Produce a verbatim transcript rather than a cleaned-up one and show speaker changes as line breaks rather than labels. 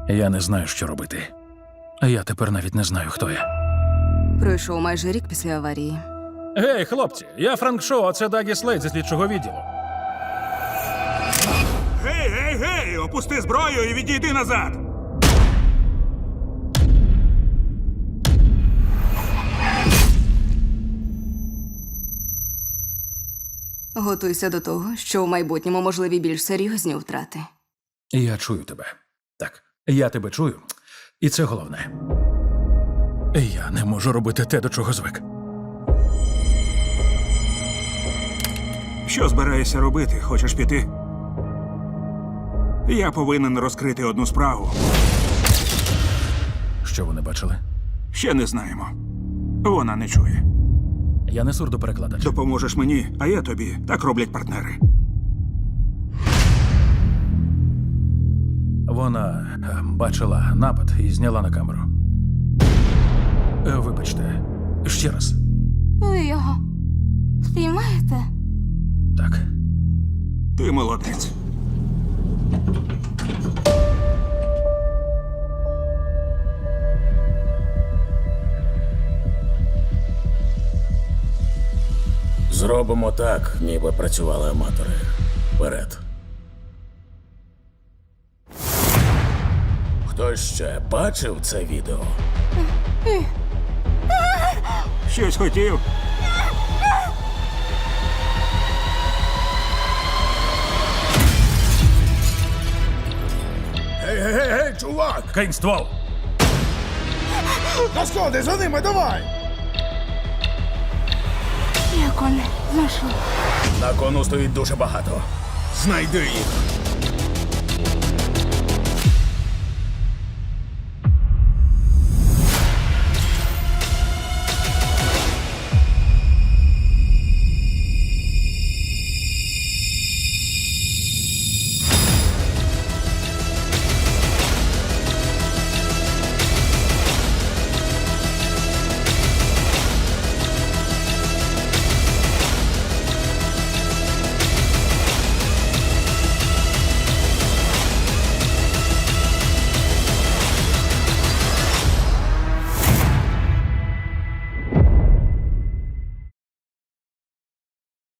Я не знаю, що робити. А я тепер навіть не знаю, хто я.
Пройшов майже рік після аварії.
Гей, хлопці, я Франк Шоу, а це Дагі Слейд зі слідчого відділу.
Гей, гей, гей! Опусти зброю і відійди назад!
Готуйся до того, що в майбутньому можливі більш серйозні втрати.
Я чую тебе. Так, я тебе чую. І це головне. Я не можу робити те, до чого звик.
Що збираєшся робити? Хочеш піти? Я повинен розкрити одну справу.
Що вони бачили?
Ще не знаємо. Вона не чує.
Я не сурдоперекладач.
Допоможеш мені, а я тобі. Так роблять партнери.
Вона е, бачила напад і зняла на камеру. Е, Вибачте, ще раз.
Ви його спіймаєте?
Так.
Ти молодець.
Зробимо так, ніби працювали аматори. Вперед. Хтось ще бачив це відео?
Щось хотів?
Гей, гей, гей, гей, чувак!
Кинь ствол!
На сходи, за ними, давай!
Як вони знайшли?
На кону стоїть дуже багато. Знайди їх.